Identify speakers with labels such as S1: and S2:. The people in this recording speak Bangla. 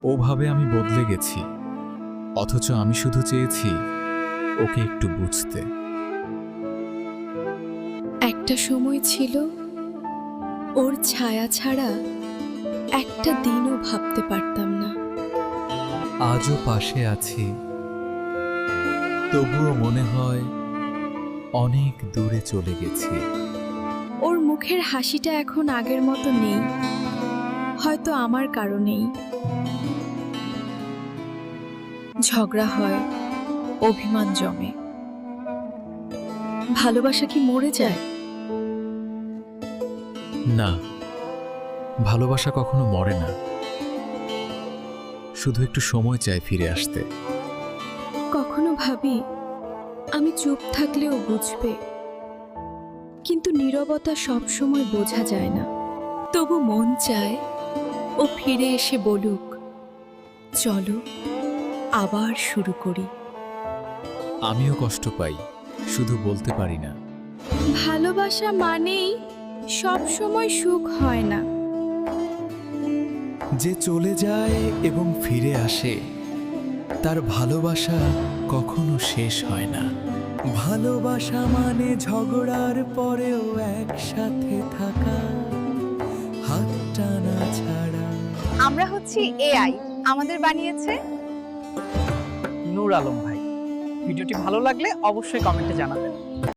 S1: ওভাবে আমি বদলে গেছি, অথচ আমি শুধু চেয়েছি ওকে একটু বুঝতে।
S2: একটা সময় ছিল ওর ছায়া ছাড়া একটা দিনও ভাবতে পারতাম না।
S1: আজও পাশে আছি, তবুও মনে হয় অনেক দূরে চলে গেছি।
S2: ওর মুখের হাসিটা এখন আগের মতো নেই, হয়তো আমার কারণেই। ঝগড়া হয়, অভিমান জমে। ভালোবাসা কি মরে যায়?
S1: না, ভালোবাসা কখনো মরে না, শুধু একটু সময় চায় ফিরে আসতে।
S2: কখনো ভাবি আমি চুপ থাকলেও বুঝবে, কিন্তু নীরবতা সব সময় বোঝা যায় না। তবু মন চায় ও ফিরে এসে বলুক, চলো আবার শুরু করি।
S1: আমিও কষ্ট পাই, শুধু বলতে পারি না।
S2: ভালোবাসা মানেই সব সময় সুখ হয় না।
S1: যে চলে যায় এবং ফিরে আসে, তার ভালোবাসা কখনো শেষ হয় না। ভালোবাসা মানে ঝগড়ার পরেও একসাথে থাকা, হাত টানা ছাড়া।
S3: আমরা হচ্ছি এআই, আমাদের বানিয়েছে
S4: নূর আলম ভাই। ভিডিওটি ভালো লাগলে অবশ্যই কমেন্টে জানাবেন।